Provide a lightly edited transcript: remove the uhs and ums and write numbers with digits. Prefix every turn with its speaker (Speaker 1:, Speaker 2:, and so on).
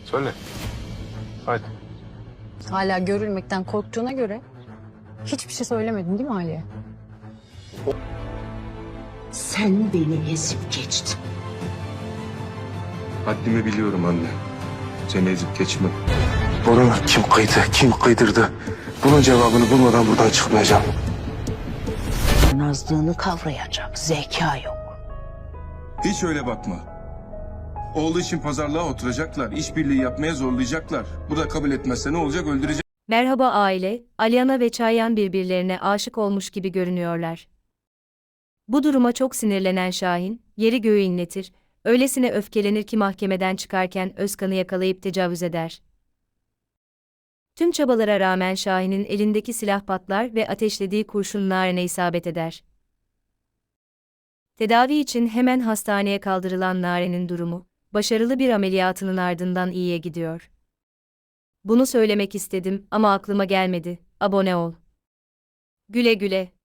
Speaker 1: Söyle. Hadi.
Speaker 2: Hala görülmekten korktuğuna göre hiçbir şey söylemedin değil mi Ali'ye?
Speaker 3: Sen beni ezip geçtin.
Speaker 1: Haddimi biliyorum anne. Seni ezip geçmem. Boruna kim kıydı, kim kıydırdı? Bunun cevabını bulmadan buradan çıkmayacağım.
Speaker 3: Nazlığını kavrayacak zeka yok.
Speaker 4: Hiç öyle bakma. Oğlu için pazarlığa oturacaklar, işbirliği yapmaya zorlayacaklar. Bu da kabul etmezse ne olacak, öldürecek.
Speaker 5: Merhaba aile, Aliana ve Çayan birbirlerine aşık olmuş gibi görünüyorlar. Bu duruma çok sinirlenen Şahin, yeri göğü inletir, öylesine öfkelenir ki mahkemeden çıkarken Özkan'ı yakalayıp tecavüz eder. Tüm çabalara rağmen Şahin'in elindeki silah patlar ve ateşlediği kurşun Naren'e isabet eder. Tedavi için hemen hastaneye kaldırılan Naren'in durumu, başarılı bir ameliyatının ardından iyiye gidiyor. Bunu söylemek istedim ama aklıma gelmedi. Abone ol. Güle güle.